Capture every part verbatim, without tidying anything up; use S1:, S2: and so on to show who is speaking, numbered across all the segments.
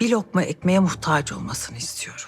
S1: bir lokma ekmeğe muhtaç olmasını istiyorum.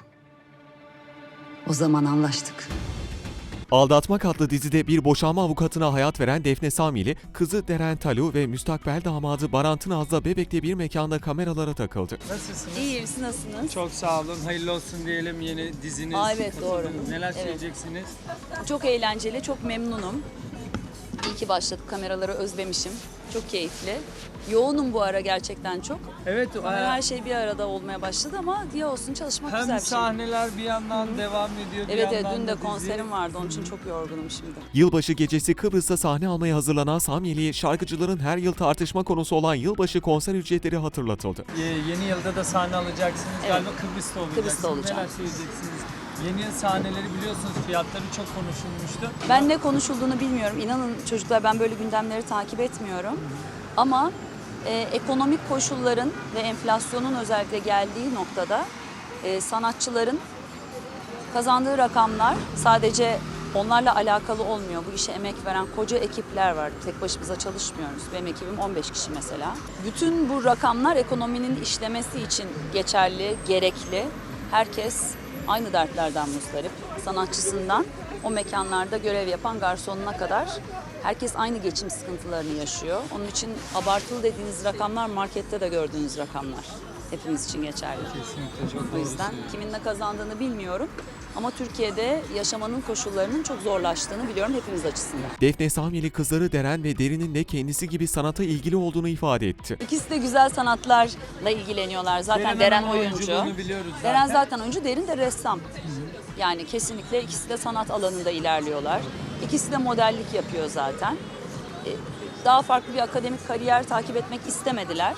S2: O zaman anlaştık.
S3: Aldatmak adlı dizide bir boşanma avukatına hayat veren Defne Samyeli, kızı Deren Talu ve müstakbel damadı Baran Tınaz'la Bebek'te bir mekanda kameralara takıldı.
S4: Nasılsınız?
S5: İyiyim, siz nasılsınız?
S4: Çok sağ olun. Hayırlı olsun diyelim yeni diziniz.
S5: Aa, evet, doğru.
S4: katıldınız. Neler
S5: Evet.
S4: söyleyeceksiniz?
S5: Çok eğlenceli, çok memnunum. İyi ki başladık, kameraları özlemişim. Çok keyifli. Yoğunum bu ara gerçekten çok.
S4: Evet,
S5: Kamera,
S4: e,
S5: her şey bir arada olmaya başladı ama diye olsun, çalışmak
S4: hem
S5: güzel bir şey.
S4: sahneler bir yandan devam ediyor, bir
S5: Evet, evet,
S4: yandan
S5: dün
S4: da
S5: de
S4: dizi.
S5: konserim vardı, onun için çok yorgunum şimdi.
S3: Yılbaşı gecesi Kıbrıs'ta sahne almaya hazırlanan Samyeli'ye şarkıcıların her yıl tartışma konusu olan yılbaşı konser ücretleri hatırlatıldı.
S4: Ee, yeni yılda da sahne alacaksınız.
S5: Evet.
S4: Galiba Kıbrıs'ta olacaksınız.
S5: Kıbrıs'ta olacağım.
S4: Neler söyleyeceksiniz? Yeni yıl sahneleri biliyorsunuz, fiyatları çok konuşulmuştu.
S5: Ben ne konuşulduğunu bilmiyorum. İnanın çocuklar, ben böyle gündemleri takip etmiyorum. Ama e, ekonomik koşulların ve enflasyonun özellikle geldiği noktada e, sanatçıların kazandığı rakamlar sadece onlarla alakalı olmuyor. Bu işe emek veren koca ekipler var. Tek başımıza çalışmıyoruz. Benim ekibim on beş kişi mesela. Bütün bu rakamlar ekonominin işlemesi için geçerli, gerekli. Herkes aynı dertlerden muzdarip. Sanatçısından o mekanlarda görev yapan garsonuna kadar herkes aynı geçim sıkıntılarını yaşıyor. Onun için abartılı dediğiniz rakamlar markette de gördüğünüz rakamlar. Hepimiz için geçerli.
S4: Kesinlikle çok
S5: O yüzden kimin ne kazandığını bilmiyorum. Ama Türkiye'de yaşamanın koşullarının çok zorlaştığını biliyorum hepimiz açısından.
S3: Defne Samyeli kızları Deren ve Derin'in de kendisi gibi sanata ilgili olduğunu ifade etti.
S5: İkisi de güzel sanatlarla ilgileniyorlar. Zaten Deren oyuncu.
S4: oyunculuğunu biliyoruz zaten.
S5: Deren zaten oyuncu, Derin de ressam. Yani kesinlikle ikisi de sanat alanında ilerliyorlar. İkisi de modellik yapıyor zaten. Ee, Daha farklı bir akademik kariyer takip etmek istemediler.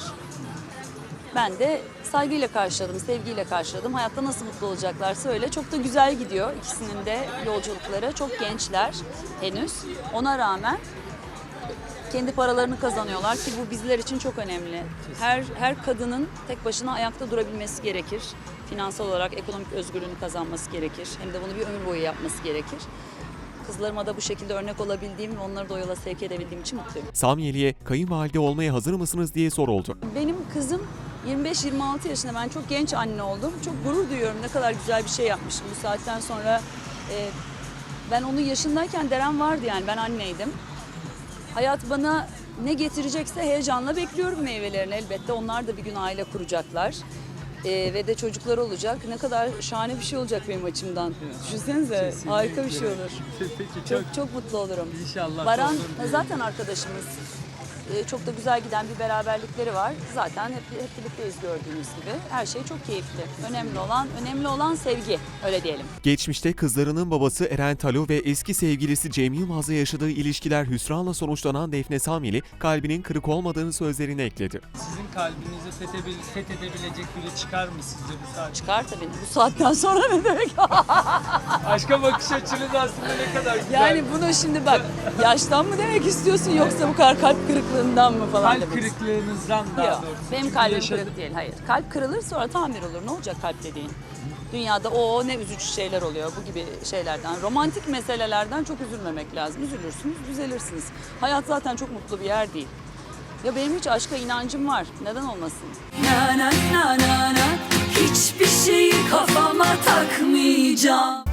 S5: Ben de saygıyla karşıladım, sevgiyle karşıladım. Hayatta nasıl mutlu olacaklarsa öyle. Çok da güzel gidiyor ikisinin de yolculukları. Çok gençler henüz. Ona rağmen kendi paralarını kazanıyorlar ki bu bizler için çok önemli. Her her kadının tek başına ayakta durabilmesi gerekir. Finansal olarak ekonomik özgürlüğünü kazanması gerekir. Hem de bunu bir ömür boyu yapması gerekir. Kızlarıma da bu şekilde örnek olabildiğim ve onları da o yola sevk edebildiğim için mutluyum.
S3: Samyeli'ye kayınvalide olmaya hazır mısınız diye soruldu.
S5: Benim kızım yirmi beş yirmi altı yaşında, ben çok genç anne oldum. Çok gurur duyuyorum, ne kadar güzel bir şey yapmışım bu saatten sonra. E, ben onun yaşındayken Deren vardı, yani ben anneydim. Hayat bana ne getirecekse heyecanla bekliyorum meyvelerini elbette. Onlar da bir gün aile kuracaklar. Ee, ve de çocuklar olacak. Ne kadar şahane bir şey olacak benim açımdan. Düşünsenize,
S4: Kesinlikle.
S5: harika bir şey olur.
S4: Peki çok,
S5: Çok çok mutlu olurum.
S4: inşallah.
S5: Baran
S4: olur diyelim.
S5: zaten arkadaşımız. Ee, çok da güzel giden bir beraberlikleri var. Zaten hep, hep birlikteyiz gördüğünüz gibi. Her şey çok keyifli. Önemli olan, önemli olan sevgi. Öyle diyelim.
S3: Geçmişte kızlarının babası Eren Talu ve eski sevgilisi Cem Yılmaz'la yaşadığı ilişkiler hüsranla sonuçlanan Defne Samyeli, kalbinin kırık olmadığını sözlerine ekledi.
S4: Sizin kalbinizi fethebil- fethedebilecek biri çıkar mı sizce bu saatte?
S5: Çıkar tabii. Bu saatten sonra ne demek?
S4: Aşka bakış açınız aslında ne kadar güzel.
S5: Yani bunu şimdi bak, yaştan mı demek istiyorsun yoksa bu kadar kalp kırıklığından mı falan
S4: kalp
S5: demek istiyorsun?
S4: kırıklığınızdan daha
S5: Yok,
S4: doğrusu.
S5: benim
S4: Çünkü
S5: kalbim
S4: yaşadım.
S5: kırık değil, hayır. Kalp kırılır sonra tamir olur. Ne olacak kalp dediğin? Dünyada o ne üzücü şeyler oluyor bu gibi şeylerden. Romantik meselelerden çok üzülmemek lazım. Üzülürsünüz, düzelirsiniz. Hayat zaten çok mutlu bir yer değil. Ya benim hiç aşka inancım var. Neden olmasın?
S6: Na na na na na, hiçbir şeyi kafama takmayacağım.